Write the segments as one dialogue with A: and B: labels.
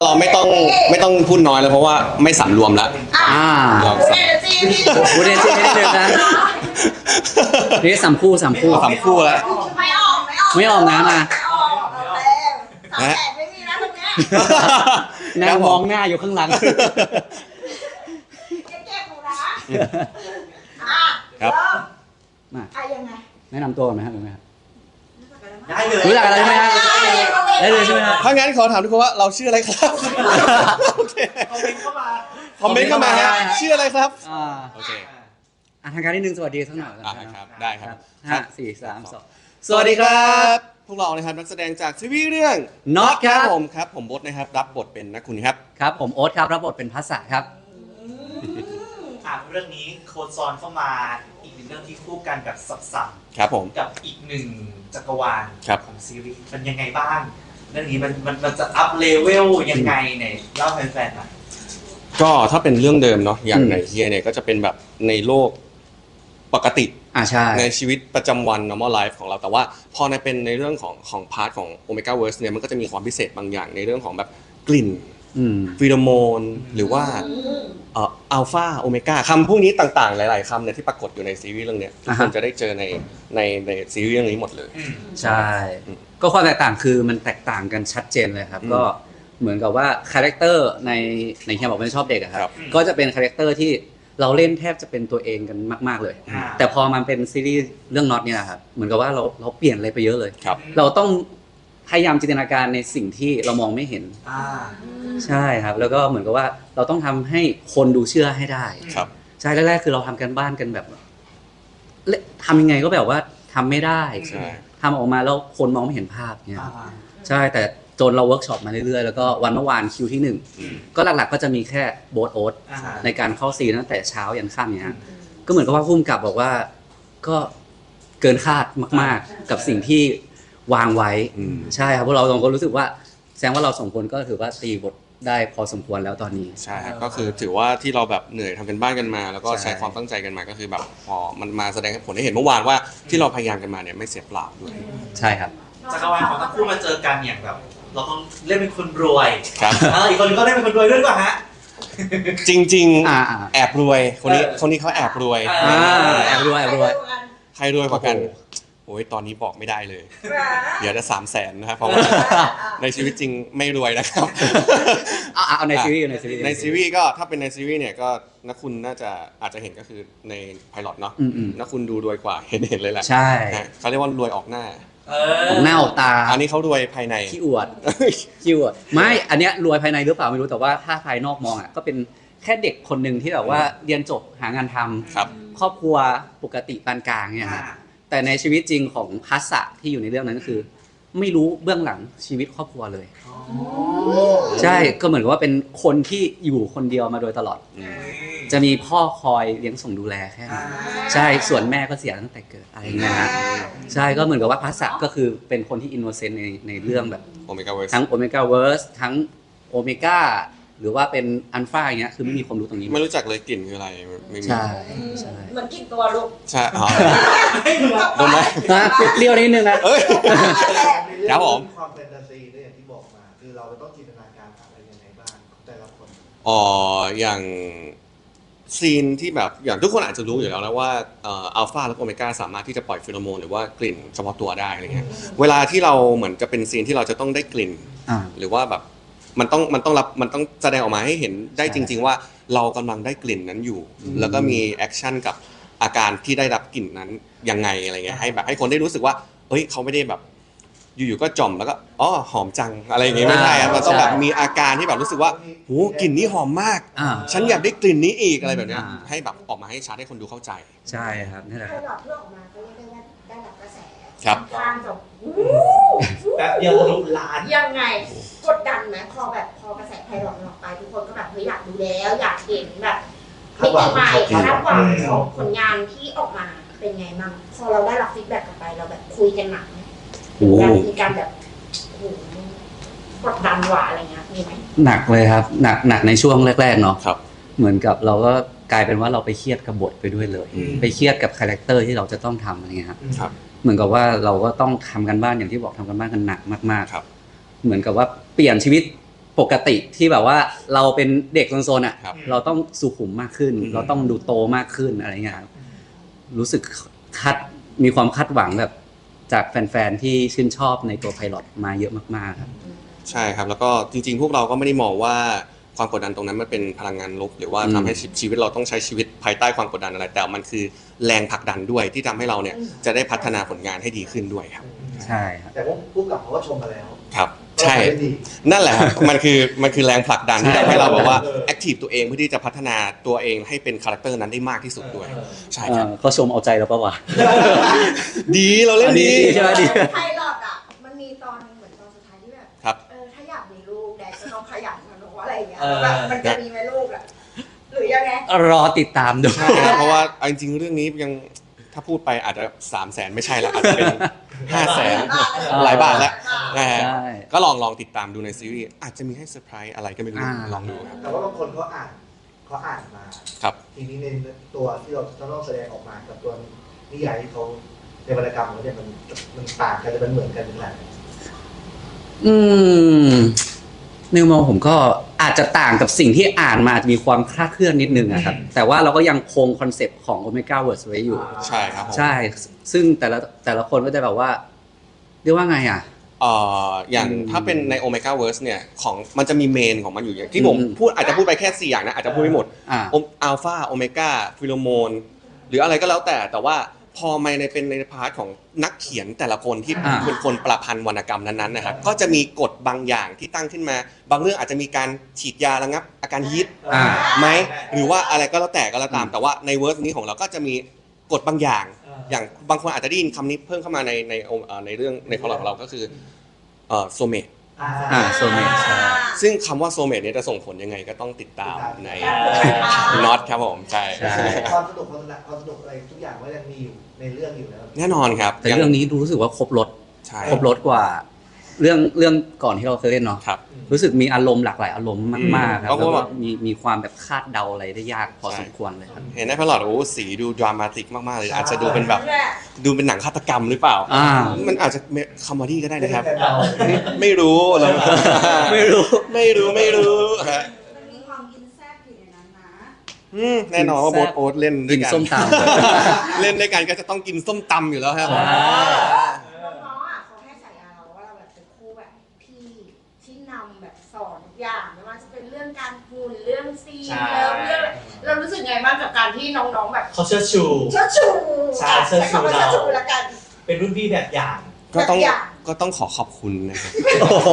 A: เราไม่ต้องพูดน้อยแล้วเพราะว่าไม่สำรวมแล้วเรา
B: พูดเอเนจี
C: พูดได้จริงนิดนึงนะนี่สามคู่
A: สามคู่แล้ว
B: ไม่ออก
C: นะมา
B: 300,000ไม่มีนะตรงนี้
C: นางมองหน้าอยู่ข้างหลัง
B: เก็บหนูนะครับมายังไง
C: แนะนำตัวก่อนไหมครับหรือไงครับ
D: ได้เลย
C: รู้จักอะไรไหมครับได้เลยใช่ไหมครับ
A: ถ้างั้นขอถามทุกคนว่าเราชื่ออะไรครับโอเค
D: คอมเมนต์เข้ามา
A: ฮะชื่ออะไรครับโอเค
C: ทางการที่1สวัสดีสักหน่อย
A: ครับได้ครับ
C: 5 4 3 2สวัสดีครับ
A: พวกเรานะครับนักแสดงจากซีรีส์เรื่อง
C: Not
A: ครับผมบดนะครับรับบทเป็นนักคุณครับ
C: ครับผมโอ๊ตครับรับบทเป็นภัสสะครับ
D: เรื่องนี้โคจรเข้ามาอีกหนึ่งเรื่องที่คู่กันกับสับ
A: ครับผม
D: กับอีกหนึ่งจักรวาลของซีรีส์มันยังไงบ้างเรื่องนี้มันจะอัพเลเวลยังไงเนี่ยเล่าให้แฟนๆหน่อย
A: ก็ถ้าเป็นเรื่องเดิมเนาะอย่างในเฮียเนี่ยก็จะเป็นแบบในโลกปกติ
C: ใช่
A: ในชีวิตประจำวัน normal life ของเราแต่ว่าพอในเป็นในเรื่องของพาร์ทของ Omega Verse เนี่ยมันก็จะมีความพิเศษบางอย่างในเรื่องของแบบกลิ่นฟีโรโมนหรือว่าอัลฟาโอเมก้าคำพวกนี้ต่างๆหลายๆคำเนี่ยที่ปรากฏอยู่ในซีรีส์เรื่องนี้ทุกคนจะได้เจอในซีรีส์เรื่องนี้หมดเลย
C: ใช่ก็ความแตกต่างคือมันแตกต่างกันชัดเจนเลยครับก็เหมือนกับว่าคาแรคเตอร์ในเฮียบอกว่าชอบเด็กครับก็จะเป็นคาแรคเตอร์ที่เราเล่นแทบจะเป็นตัวเองกันมากๆเลยแต่พอมันเป็นซีรีส์เรื่องน็อตเนี่ยครับเหมือนกับว่าเราเปลี่ยนอะไรไปเยอะเลยเราต้องพยายามจินตนาการในสิ่งที่เรามองไม่เห็นใช่ครับแล้วก็เหมือนกับว่าเราต้องทำให้คนดูเชื่อให้ได้ใช่แรกๆคือเราทำกันบ้านกันแบบทำยังไงก็แบบว่าทำไม่ได้ทำออกมาแล้วคนมองไม่เห็นภาพเนี่ยใช่แต่จนเราเวิร์กช็อปมาเรื่อยๆแล้วก็วันเมื่อวานคิวที่1ก็หลักๆก็จะมีแค่โบ๊ทโอ๊ตในการเข้าซีนตั้งแต่เช้ายันค่ำเนี่ยก็เหมือนกับว่าพุ่มกับบอกว่าก็เกินคาดมากๆกับสิ่งที่วางไว้ใช่ครับพวกเราสองคนรู้สึกว่าแสดงว่าเราสองคนก็ถือว่าตีบทได้พอสมควรแล้วตอนนี้
A: ใช่ครับก็คือถือว่าที่เราแบบเหนื่อยทำกันบ้านกันมาแล้วก็ใช้ความตั้งใจกันมาก็คือแบบพอมันมาแสดงผลให้เห็นเมื่อวานว่าที่เราพยายามกันมาเนี่ยไม่เสียเปล่าด้วย
C: ใช่ครับ
D: จักรวาลของทั้งคู่มาเจอกันอย่างแบบเราต้องเล่นเป็นคนรวย
A: ครับ
D: อีกคนก็เล่นเป็นคนรวยด้วยหรือเปล่าฮะ
A: จริงๆแอบรวยคนนี้เขาแอบรวย
C: แอบรวย
A: ใครรวยกว่ากันโอ้ยตอนนี้บอกไม่ได้เลยเดี๋ยวจะ300,000นะครับเพราะว่าในชีวิตจริงไม่รวยนะครับ
C: เอาในซีรีส์
A: ในซีรีส์ก็ถ้าเป็นในซีรีส์เนี่ยก็นักคุณน่าจะอาจจะเห็นก็คือในไพลอตเนาะนักคุณดูรวยกว่าเห็นเลยแหละ
C: ใช่
A: เขาเรียกว่ารวยออกหน้า
C: ออกหน้าออกตา
A: อันนี้เขารวยภายใน
C: ขี้อวดไม่อันเนี้ยรวยภายในหรือเปล่าไม่รู้แต่ว่าถ้าภายนอกมองอ่ะก็เป็นแค่เด็กคนหนึ่งที่แบบว่าเรียนจบหางานทำครอบครัวปกติปานกลางเนี่ยครับแต่ในชีวิตจริงของภัสสะที่อยู่ในเรื่องนั้นก็คือไม่รู้เบื้องหลังชีวิตครอบครัวเลยใช่ก็เหมือนกับว่าเป็นคนที่อยู่คนเดียวมาโดยตลอดจะมีพ่อคอยเลี้ยงส่งดูแลแค่นั้นใช่ส่วนแม่ก็เสียตั้งแต่เกิดอะไรเงี้ยนะใช่ก็เหมือนกับว่าภัสสะก็คือเป็นคนที่อินโนเซนต์ในเรื่องแบบทั้งโอเมก้าเวิร์สทั้งโอเมก้าหรือว่าเป็นอัลฟาอย่างเงี้ยคือไม่มีความรู้ตรงนี้
A: ไม่รู้จักเลยกลิ่นคืออะไรไม่มี
C: ใช่
B: เหมือนกลิ่นตัวลูก
A: ใช่โดนไหม
C: เปรี้ยวนิดนึงนะ
A: ครับผม
E: ความแฟนตาซีเนี่ยอย่างที่บอกมาคือเราต้องจินตนาการอะไรยังไงบ้างของแต่ละคน
A: อย่างซีนที่แบบอย่างทุกคนอาจจะรู้อยู่แล้วนะว่าอัลฟาและโอเมก้าสามารถที่จะปล่อยฟีโรโมนหรือว่ากลิ่นเฉพาะตัวได้อะไรเงี้ยเวลาที่เราเหมือนจะเป็นซีนที่เราจะต้องได้กลิ่นหรือว่าแบบมันต้องแสดงออกมาให้เห็นได้จริงๆว่าเรากำลังได้กลิ่นนั้นอยู่แล้วก็มีแอคชั่นกับอาการที่ได้รับกลิ่นนั้นยังไงอะไรเงี้ยให้คนได้รู้สึกว่าเฮ้ยเขาไม่ได้แบบอยู่ๆก็จ่อมแล้วก็หอมจังอะไรอย่างงี้ไม่ใช่ครับมันต้องแบบมีอาการที่แบบรู้สึกว่าโหกลิ่นนี้หอมมากฉันอยากได้กลิ่นนี้อีกอะไรแบบนี้ให้แบบออกมาให้ชัดให้คนดูเข้าใจ
C: ใช่ครับนี่แหละ
B: ไพลอตที่ออกมาก็เรียกได้ว่าได้รับกระแส
A: ครับ
B: ทางจบ
D: แบบเดียวทะลุล้าน
B: ยังไงกดดันไหมพอกระแสไพลอตออกไปทุกคนก็แบบเฮ้ยอยากดูแล้วอยากเห็นแบบมิติใหม่คาดหวังของผลงานที่ออกมาเป็นไงบ้างพอเราได้รับฟีดแบ็กกลับไปเราแบบคุยกันหนักมีการแบบกดดันหวาอะไรเงี้ยมีไหม
C: หนักเลยครับหนักในช่วงแรกๆเนาะ
A: ครับ
C: เหมือนกับเราก็กลายเป็นว่าเราไปเครียดกับบทไปด้วยเลยไปเครียดกับคาแรคเตอร์ที่เราจะต้องทำอะไรเงี้ย
A: ครับ
C: เหมือนกับว่าเราก็ต้องทำกันบ้านอย่างที่บอกทำกันบ้านกันหนักมาก
A: ๆครับ
C: เหมือนกับว่าเปลี่ยนชีวิตปกติที่แบบว่าเราเป็นเด็กโซนๆอ่ะ
A: ครับ
C: เราต้องสุขุมมากขึ้น
A: อืม
C: เราต้องดูโตมากขึ้นอะไรเงี้ยครับรู้สึกมีความคาดหวังแบบจากแฟนๆที่ชื่นชอบในตัวไพลอตมาเยอะมากๆครับ
A: ใช่ครับแล้วก็จริงๆ พวกเราก็ไม่ได้มองว่าความกดดันตรงนั้นมันเป็นพลังงานลบหรือว่า
C: อืม
A: ทำให้ชีวิตเราต้องใช้ชีวิตภายใต้ความกดดันอะไร แต่มันคือแรงผลักดันด้วยที่ทำให้เราเนี่ยจะได้พัฒนาผลงานให้ดีขึ้นด้วยครับ
C: ใช่ครับ
E: แต่ว่าผู้กำกับเขาก็ชมมาแล้ว
A: ครับใช่
E: ว่าทำได้ดี
A: นั่นแหละครับ มันคือแรงผลักดันที่
C: ใช่
A: ทำให้เราแบบว่า
E: เออ
A: แอคทีฟตัวเองเพื่อที่จะพัฒนาตัวเองให้เป็นคาแรคเตอร์นั้นได้มากที่สุดด้วย ใช่ครับ
C: เขาชมเอาใจเราปะวะ
A: ดีเราเล่นดี
C: ดีใช่ไหมดี
B: ไพลอตอ่ะมันมีตอนหนึงเหมือนตอนสุดท้ายที่แบบ
A: ครับ
B: ถ้าอยากมีลูกแดกก็ต้องขยันนะหนูว่าอะไรอย่างเงี้ย
D: เออ
B: แบบมันจะมีไหมลูกอ่ะหรือยังไง
C: รอติดตามดู
A: ใช่ครับเพราะว่าเอาจริงๆเรื่องนี้ยังถ้าพูดไปอาจจะ300,000ไม่ใช่ละอาจจะเป็น500,000หลายบาทแล้วนะฮะ
C: ใช่
A: ก็ลองติดตามดูในซีรีส์อาจจะมีให้เซอร์ไพรส์อะไรก็ไม่รู้ลองดูครับ
E: แต่ว่าบางคนเขาอ่านมา
A: ครับ
E: ทีนี้ในตัวที่เราต้องแสดงออกมากับตัวนิยายที่เขาในวรรณกรรมเขาเนี่ยมันต่างกันหรือมันเหมือนกันขนาดไหน
C: อืมในมุมมองผมก็อาจจะต่างกับสิ่งที่อ่านมาอาจจะมีความคลาดเคลื่อนนิดนึงอะครับ แต่ว่าเราก็ยังคงคอนเซปต์ของ Omega Words ไว้อยู่
A: ใช่ครับผม
C: ใช่ ซึ่งแต่ละคนก็จะแบบว่าเรียกว่าไงอ่ะ
A: อย่างถ้าเป็นใน Omega Verse เนี่ยของมันจะมีเมนของมันอยู่อย่างที่ผมพูดอาจจะพูดไปแค่4อย่างนะอาจจะพูดไม่หมด
C: อ่า
A: อัลฟาโอเมก้าฟิโลโมนหรืออะไรก็แล้วแต่ว่าพอมาเป็นในพาร์ทของนักเขียนแต่ละคนที่
C: อ่า
A: เป็นคนประพันธ์วรรณกรรมนั้นๆนะครับก็จะมีกฎบางอย่างที่ตั้งขึ้นมา บางเรื่องอาจจะมีการฉีดยาระงับอาการฮิต
C: อ่า
A: ไหมหรือว่าอะไรก็แล้วแต่ก็แล้วตาม แต่ว่าในเวอร์สนี้ของเราก็จะมีกฎบางอย่าง อย่างบางคนอาจจะได้ยินคำนี้เพิ่มเข้ามาในเรื่องในพล็อตของเราก็คือโซเมต
C: soulmate ใช่
A: ซึ่งคำว่าโซเมตเนี่ยจะส่งผลยังไงก็ต้องติดตามในน็อตครับผมใช่
C: ใช่
E: ความสนุกอะไรทุกอย่างก็ยังมีอยู่ในเรื่องอยู่แล้ว
A: แน่นอนครับ
C: แต่เรื่องนี้รู้สึกว่าครบรถ
A: ใช่
C: ครบรถกว่าเรื่องก่อนที่เราเคยเล่นเนาะ
A: ครับ
C: รู้สึกมีอารมณ์หลากหลายอารมณ์มากๆครับ
A: เพราะ
C: แล้ว
A: ว่า
C: ก็มีความแบบคาดเดาอะไรได้ยากพอ
A: ใช่
C: สมควรเลยครับ
A: เห็นในพล็อตโอ้สีดูดรามาติกมากๆเลยอาจจะดูเป็นแบบดูเป็นหนังฆาตกรรมหรือเปล่า
C: อ่า
A: มันอาจจะคอมเมดี้ก็ได้นะครับ
E: แต่เรา
A: ไม่รู้เรา
C: ไม่รู้
A: ไม่รู้ฮะ
B: มันมีความกินแซ่บอยู่ในนั้นนะ
A: แน่นอนว่าโบ๊ทโอ๊ตเล่นด้
C: กิ
A: วย
C: น
A: กัน
C: ส้มต
A: เล่นด้วยกันก็จะต้องกินส้มตำอยู่แล้วครับ
C: ใช่
B: น้องๆอ่ะเขาให้ฉายาเราว่าเราแบบเป็นคู่แบบพี่ที่นำแบบสอนทุกอย่างไม่ว่าจะเป็นเรื่องการหุ่นเรื่องซีน
D: ใช่
B: เรื่องเรารู้สึกไงบ้างกับการที่น้องๆแบบ
D: เขาเชิดชู
B: เชิดชู
D: ใช่เชิดชู
B: ใคำว่า
D: เรา
B: เชิดชูละกัน
D: เป็นรุ่นพี่แบบอย่าง
A: ก็ต้องขอขอบคุณนะครับ
C: ำโอ้โห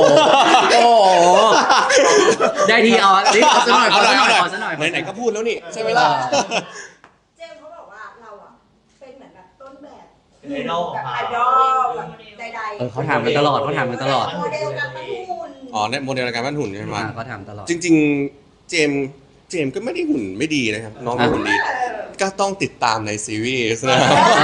C: ได้ทีเอาดิขอซะหน่อยขอซะหน่อยขอซะหน่อย
A: ไหนๆก็พูดแล้วนี่ใช่ไหมล่ะ
B: เจมส์เขาบอกว่าเราอ่ะเป็นเหมือนแบบต้นแบบ
D: เป็นไอดอล
B: แบบไอดอลแบบใดๆ
C: เขาถามกันตลอด
B: โมเดลการปั้นหุ่น
A: อ๋อในโมเดลในการปั้นหุ่นใช่ไหม
C: เขาถามตลอด
A: จริงๆ เจมส์ก็ไม่ได้หุ่นไม่ดีนะครับ น้องก็หุ่นดี ก็ต้องติดตามในซีรีส์นะ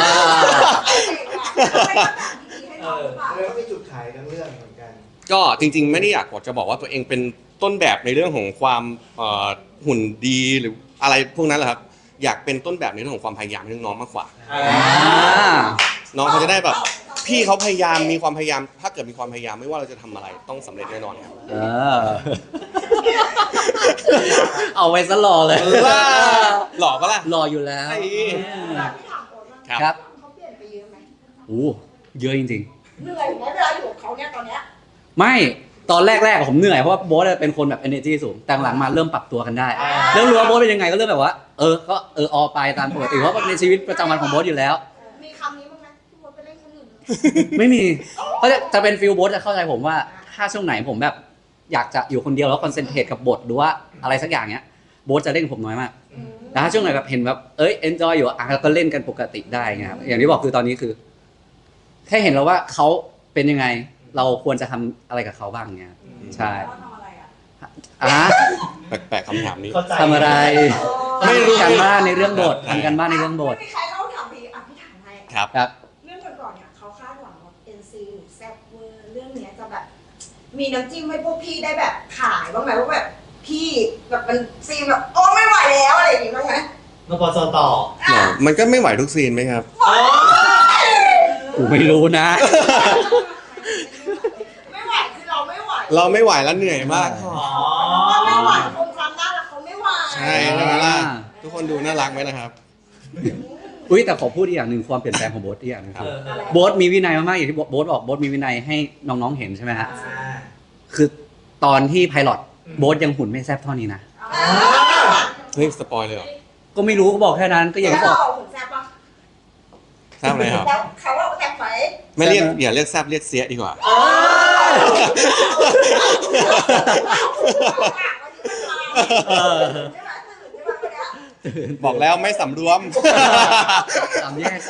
E: แล้วก็มีจุดขายทั้งเรื่องเหมือนกัน
A: ก็จริงๆ ไม่ได้อยากจะบอกว่าตัวเองเป็นต้นแบบในเรื่องของความหุ่นดีหรืออะไรพวกนั้นแหละครับ อยากเป็นต้นแบบในเรื่องของความพยายามให้น้องๆมากกว่า น้องเขาจะได้แบบ พี่เขาพยายามมีความพยายาม ถ้าเกิดมีความพยายามไม่ว่าเราจะทำอะไรต้องสำเร็จแน่นอนครับ
C: เอาไว้ซะรอเลย
A: หล่อปะล่ะ
C: รออยู่แล้ว
A: ไอ้
B: พี่ถามโอ๊ตว่า
A: ครับ
C: ครับ
B: เขาเปลี่ยนไปเยอะไหม
C: โอ้เยอะจริง
B: เหนื่อยไหมเวลาอยู่กับเขาเนี่ยตอนเนี้ย
C: ๆ ไม่ตอนแรกๆผมเหนื่อยเพราะว่าโบ๊ทเป็นคนแบบ energy สูงแต่หลังมาเริ่มปรับตัวกันได้เริ่มรู้ว่าโบ๊ทเป็นยังไงก็เริ่มแบบว่าก็ออไปตามปกติเพราะว่าในชีวิตประจำวันของโบ๊ทอยู่แล้ว
B: มีคำนี้บ้างไหมที่โบ๊ทไปเล่นคนอื่น
C: ไม่มีเขาจะเป็นฟิลโบ๊ทจะเข้าใจผมว่าถ้าช่วงไหนผมแบบอยากจะอยู่คนเดียวแล้วคอนเซนเทรตกับบทหรือว่าอะไรสักอย่างเนี้ยโบ๊ทจะเล่นกับผมน้อยมากแต่ถ้าช่วงไหนแบบเห็นแบบenjoy อยู่ก็เล่นกันปกติได้ไงครับอย่างที่บอกคือตอนนี้คือแค่เห็นแล้วว่าเขาเป็นยังไงเราควรจะทำอะไรกับเขาบ้างเงี้ยใช่
B: เขาทำอะไรอ่ะ
A: แปลกๆคำถามนี้
D: เข้าใจ
C: ทำอะไร
A: ไม่รู้
C: ทำการบ้านในเรื่องบททำการบ้านในเรื่องบท
B: ไม่มีใครเขาถามพี่พี่ถามให้
A: ครับ
C: ครับ
B: เรื่องก่อนๆเนี่ยเขาคาดหวังว่า NC หรือแซ่บเวอร์เรื่องเนี้ยจะแบบ มีน้ำจิ้มให้พวกพี่ได้แบบขายบ้างไหมว่าแบบพี่แบบมันซีนแบบโอ้ไม่ไหวแล้วอะไรอย่างงี้บ้างไหม
D: นปสต่อ
A: มันก็ไม่ไหวทุกซีนไหมครับ
C: กูไม่รู้นะ
B: ไม่ไหวคือเราไม่ไหว
A: เราไม่ไหวแล้วเหนื่อยมาก
D: อ๋อ
A: คนดูน่ารักไหมนะครับ
C: อุ้ยแต่ขอพูดอีกอย่างหนึ่งความเปลี่ยนแปลงของโบ๊ทอีกอย่างหนึงคือ
B: อะไร
C: โบ๊ทมีวินัยมากๆอย่างที่โบ๊ทบอกโบ๊ทมีวินัยให้น้องๆเห็นใช่ไหมฮะคือตอนที่ไพลอตโบ๊ทยังหุ่นไม่แซ่บเท่านี้นะ
A: เฮ้ยสปอยเลยเหรอ
C: ก็ไม่รู้ก็บอกแค่นั้นก็อย่าง
B: แล้ว
C: ที่บ
B: เรา
C: อก
B: เอาหุ่นแซ่บปะ
A: ทราบเลยครับ
B: แล้วเขาเอาแซ่บไหม
A: ไม่เรียกอย่าเรียกแซบเรียกเสียดีกว่า
C: เออ
B: ใช่ไหมตื่นใช่ไหมวันเนี้ย
A: บอกแล้วไม่สำรวม
C: สามแยก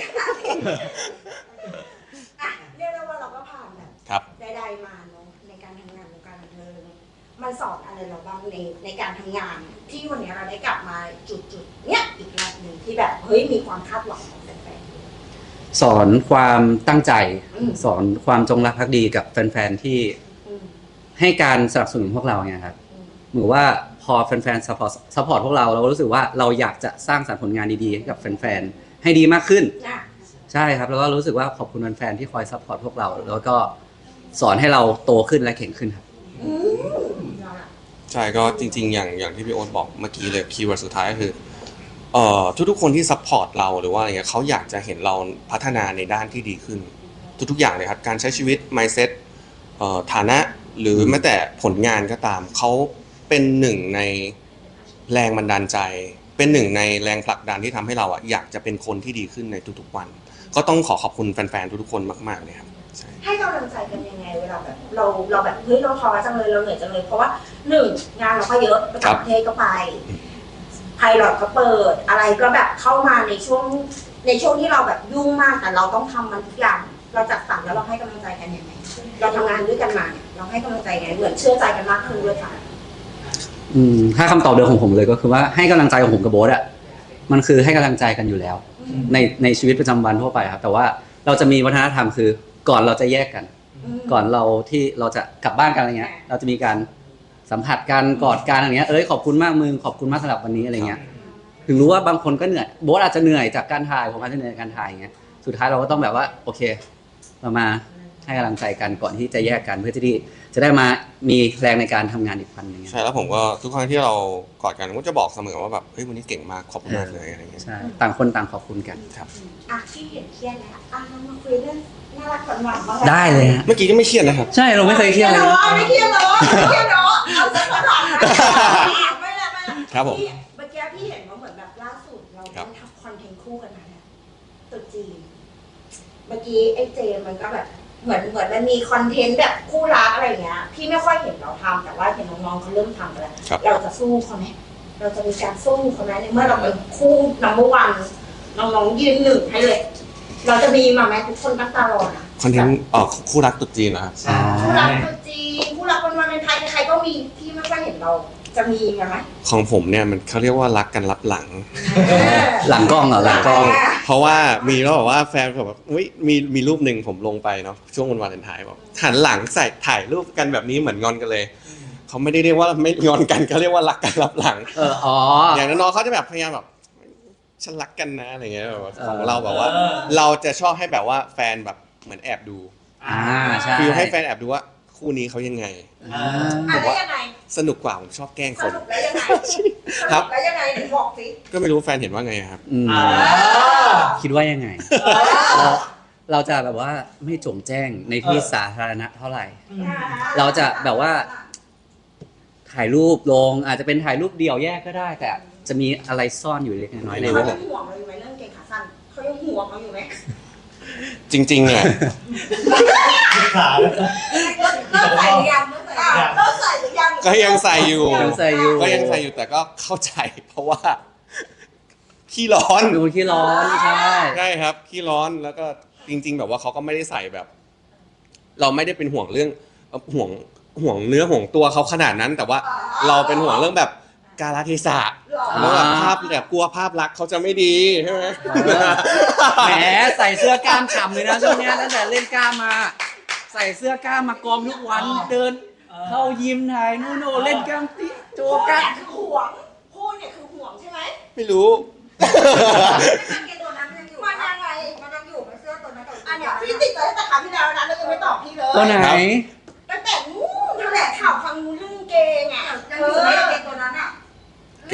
B: อ่ะเรียกได้ว่าเราก็ผ่านแบบ
A: ครับ
B: ใดๆมาเนาะในการทำงานวงการบันเทิงมันสอนอะไรเราบ้างในการทำงาน ที่วันนี้เราได้กลับมาจุดๆเนี้ยอีกรอบหนึ่งที่แบบเฮ้ยมีความคาดหวังของแฟน
C: สอนความตั้งใจ
B: อืม
C: สอนความจงรักภักดีกับแฟนๆที่
B: ๆอืม
C: ให้การสนับสนุนพวกเราเนี่ยครับ
B: อืม
C: เหมือนว่าพอแฟนๆซัพพอร์ตพวกเรารู้สึกว่าเราอยากจะสร้างสรรค์ผลงานดีๆให้กับแฟนๆให้ดีมากขึ้น
B: น่ะ
C: ใช่ครับแล้วก็รู้สึกว่าขอบคุณแฟนๆที่คอยซัพพอร์ตพวกเรา แล้วก็สอนให้เราโตขึ้นและเก่งขึ้นครับ
B: อืมเอาล่ะ
A: ใช่ก็จริงๆ อย่างที่พี่โอ๊ตบอกเมื่อกี้เลยคีย์เวิร์ดสุดท้ายก็คือทุกๆคนที่ซัพพอร์ตเราหรือว่าอะไรเงี้ยเขาอยากจะเห็นเราพัฒนาในด้านที่ดีขึ้น ทุกๆอย่างเลยครับการใช้ชีวิต mindset ฐานะหรือแม้แต่ผลงานก็ตามเขาเป็นหนึ่งในแรงบันดาลใจ เป็นหนึ่งในแรงผลักดันที่ทำให้เราอ่ะอยากจะเป็นคนที่ดีขึ้นในทุกๆวัน ก็ต้องขอบคุณแฟนๆทุกๆคนมากๆเลยครับใช่
B: ให้กำลังใจกันยังไงเวลาแบบเราแบบเฮ้ยเราท้อจังเลยเราเหนื่อยจังเลยเพราะว่าหนึ่งงานเราก็เยอะไปต่างประเทศก็ไปไพลอตก็เปิดอะไรก็แบบเข้ามาในช่วงที่เราแบบยุ่งมากแต่เราต้องทำมันทุกอย่างเราจัดสรรแล้วเราให้กำลังใจกันยังไงเราทำงานด้วยกันมาเนี่ยเราให้กำลังใจไงเหมือนเชื่อใจกันมากขึ้นด้วยค่ะ
C: ถ้าคำตอบเดิมของผมเลยก็คือว่าให้กำลังใจของผมกับโบ๊ทอ่ะมันคือให้กำลังใจกันอยู่แล้ว ในชีวิตประจำวันทั่วไปครับแต่ว่าเราจะมีวัฒนธรรมคือก่อนเราจะแยกกัน ก่อนเราที่เราจะกลับบ้านกันอะไรเงี้ยเราจะมีการสัมผัสกันกอดกันอะไรเงี้ยขอบคุณมากมึงขอบคุณมากสำหรับวันนี้อะไรเงี้ยถึงรู้ว่าบางคนก็เหนื่อยโบ๊ทอาจจะเหนื่อยจากการถ่ายผมอาจจะเหนื่อยจากการถ่ายอย่างเงี้ยสุดท้ายเราก็ต้องแบบว่าโอเคเรามาให้กำลังใจกันก่อนที่จะแยกกันเพื่อที่จะได้มามีแรงในการทำงานอีกวันหนึง
A: ใช่แล้วผมก็ทุกครั้งที่เรากอดกันผมก็จะบอกเสมอว่าแบบเฮ้ยวันนี้เก่งมากขอบคุณมากเลยอะไรเงี้ย
C: ใช่ต่างคนต่างขอบคุณกัน
A: ครับ
B: อ่ะที่เห็นเครียดแล้วอ่ะเรามาคุยเรื่องน่ารักหวานๆบ้าง
C: ได้เลยฮะ
A: เมื่อกี้ก็ไม่เครียดนะครับ
C: ใช่เราไม่เคยเครียดเลยนะ
B: ไม่เครียดเหรอไม่เครียดเหรอเอาสักหน่อยนะไม่ละ
A: ครับผม
B: พี่เมื่อกี้พี่เห็นว่าเหมือนแบบล่าสุดเราได้ทำคอนเทนต์คู่กันมาเนี่ยตุ๊จีนเมื่อกี้ไอ้เจมมันก็แบบเหมือนมันมีคอนเทนต์แบบคู่รักอะไรเงี้ยพี่ไม่ค่อยเห็นเราทำแต่ว่าเห็นน้องๆเขาเริ่มทำแล้ว
A: ครับ
B: เราจะสู้เขาไหมเราจะมีการสู้เขาไหมในเมื่อเราเป็นคู่นัมเบอร์วันน้องๆยืนหนึ่งให้เลย เราจะมีมาไหมทุกคนตั้งตารอนะ
A: คอนเทนต์คู่รักตุ๊ดจีนนะครับ
D: ใช่
B: คู่รักตัวจีนคู่รักวันเป็นไทยใครๆก็มีที่ไม่ค่อยเห็นเราจะมีไหม
A: ของผมเนี่ยมันเขาเรียกว่ารักกันลับหลัง
C: หลังกล้องเหรอหลังกล้อง
A: เพราะว่ามีแล้วแบบว่าแฟนแบบอุ้ยมีรูปหนึ่งผมลงไปเนาะช่วงวันวาเลนไทน์บอกหันหลังใส่ถ่ายรูปกันแบบนี้เหมือนงอนกันเลยเขาไม่ได้เรียกว่าไม่งอนกันเขาเรียกว่ารักกันลับหลัง อย่างน้องๆเขาจะแบบพยายามแบบฉันรักกันนะอะไรเงี้ยแบบว่าของเราแบบว่า เราจะชอบให้แบบว่าแฟนแบบเหมือนแอบดู
C: ใช่
A: ฟิลให้แฟนแอบดูว่าคู่นี้เขายังไง
B: อะไรยังไง
A: สนุกกว่าผมชอบแกล้ง
B: ส
A: คน
B: รุปแล้วยังไง
A: ครับ
B: แล้วยังไงถึงบอกสิ
A: ก็ไม่รู้แฟนเห็นว่าไงครับ
C: คิดว่ายังไง เราจะแบบว่าไม่โจงแจ้งในที่สาธารณะเท่าไหร่ เราจะแบบว่า ถ่ายรูปลงอาจจะเป็นถ่ายรูปเดี่ยวแยกก็ได้ แต่จะมีอะไรซ่อนอยู่เล็กน้อยใน
B: เขา
C: รูป
B: ยังห่วงเราอยู่ไหมเรื่องเกงขาสั้นเขายังห่วงเราอยู่ไหม
A: จริงๆเนี่ย
E: ขา
B: เลิกใส่หรือยังเลิกใส่หรือยัง
A: ก็ยังใส่อยู่
C: ยังใส่อยู่
A: ก็ยังใส่อยู่แต่ก็เข้าใจเพราะว่าขี้ร้อน
C: เป็นคนขี้ร้อนใช่
A: ใช่ครับขี้ร้อนแล้วก็จริง ๆ แบบว่าเขาก็ไม่ได้ใส่แบบ เราไม่ได้เป็นห่วงเรื่องห่วงเนื้อห่วงตัวเขาขนาดนั้น แต่ว่าเราเป็นห่วงเรื่องแบบกาลเทศะแล้วแบบภาพแบบกลัวภาพลักษณ์เขาจะไม่ดีใช่ไหม
C: แหมใส่เสื้อกล้ามฉ่ำเลยนะช่วงเนี้ยตั้งแต่เล่นกล้ามมา ใส่เสื้อกล้ามมากองทุกวันเดิน เข้ายิมถ่ายนู่นโน่เล่นกล้ามติโจ
B: พูด
C: กั
B: เนี่ย
C: น
B: คือห่วงพูดเนี่ยคือห่วงใช่ไหม
A: ไม่รู้
B: ตัวนั้นมันยังอยู่มันยังไงมันยังอยู่มันเสื้อตัวนั้นอันเนี้ยพี่ติดใจตั้งแต่ครั้งที่แล้วนะแล้วยังไม่ตอบพี่เลย
C: ตัวไหน
B: ตั้งแต่นู้นแถลงข่าวครั้งนู้นเรื่องเกงอ่ะยังอยู่ไหมเกงตัวนั้นอ่ะ
A: เก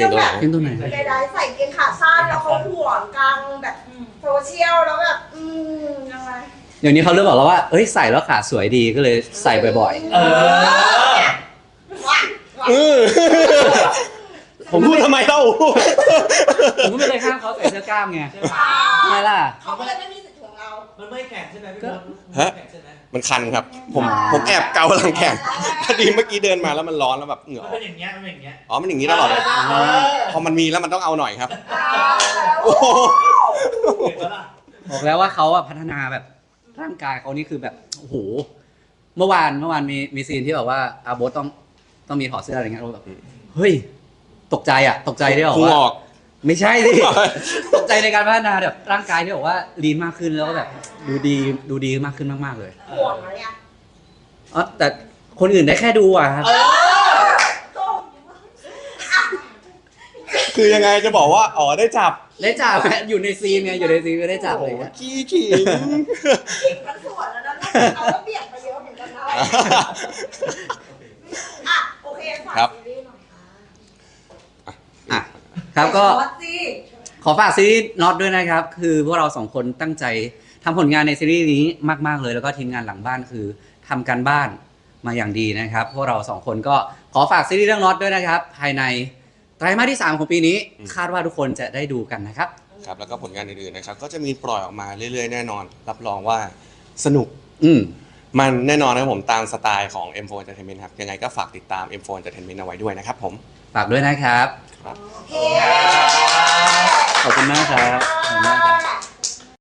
A: งตัวไหน
C: เก่งตัวไหน
B: ใจได้ใส่เกงขาสั้นแล้วเขาห่วงกลางแบบโซเชียลแล้วแบบยังไง
C: เดี๋ยวนี้เขาเริ่มบอกแล้วว่าเอ้ยใส่แล้วขาสวยดีก็เลยใส่บ่อย
D: เออ
C: ๆ ผม
A: พูดทำไมเล่า
C: ผมก็ไม่เคยข้ามเขาใส่เสื้อกล้ามไง
D: ใช่ไหม
C: ทำไมล่ะ
B: เขาก็เลยไม่มีสิทธิ์ของเรา
D: มันไม่แข็งใช่ไหมพี่บอล
A: ฮะ
D: แข็งใช่ไหม
A: มันคันครับ ผมแอบเกาหลังแข่งพอดีเมื่อกี้เดินมาแล้วมันร้อนแล้วแบบเหงื่อ
D: มัน
A: อ
D: เป็
A: อก
D: นอย่างเงี้ยมันเป็นอย่างเงี้ย
A: อ๋อมันอย่างนี้ตลอดเลยพอมันมีแล้วมันต้องเอาหน่อยครับ
B: โอ้โห
D: เห็นปะล่ะ
C: บอกแล้วว่าเขาอะพัฒนาแบบร่างกายเขานี่คือแบบโอ้โหเมื่อวานมีซีนที่แบบว่าอาโบสต้องมีถอดเสื้ออะไรเงี้ยเราแบบเฮ้ยตกใจที่บอก
A: พุง
C: ว่า
A: ออก
C: ไม่ใช่สิ ตกใจในการพัฒนาแบบร่างกายที่บอกว่าลีนมากขึ้นแล้วก็แบบดูดีมากขึ้นมากๆเลย
B: ห่วงอะไรอ่ะ
C: อ๋อแต่คนอื่นได้แค่ดูอะครับ
A: คือยังไงจะบอกว่าอ๋อได้จับ
C: ได้จับอยู่ในซีนไงอยู่ในซีนก็ได้จับอะไรเงี้ย
A: ขี้ขิง
B: ขิงทั้งส่วนแล้วนะเขาก็เบียดมาเยอะเหมือนกันนะอ่ะโอเคฝากซีรีส์หน่อยค่ะ
C: อ่ะครับก็
B: วัดสิ
C: ขอฝากซีรีส์น็อตด้วยนะครับ คือพวกเราสองคนตั้งใจทำผลงานในซีรีส์นี้มากๆเลยแล้วก็ทีมงานหลังบ้านคือทำการบ้านมาอย่างดีนะครับพวกเราสองคนก็ขอฝากซีรีส์เรื่องน็อตด้วยนะครับ ภายในไตรมาสที่ 3 ของปีนี้ คาดว่าทุกคนจะได้ดูกันนะครับ
A: ครับแล้วก็ผลงานอื่นๆนะครับก็จะมีปล่อยออกมาเรื่อยๆแน่นอน รับรองว่าสนุก มันแน่นอนนะครับผมตามสไตล์ของ M4 Entertainment ครับยังไงก็ฝากติดตาม M4 Entertainment เอาไว้ด้วยนะครับผม
C: ฝากด้วยนะครับ
A: ครับ
B: โอเค
C: ขอบคุณมากครับขอบคุณมากครับ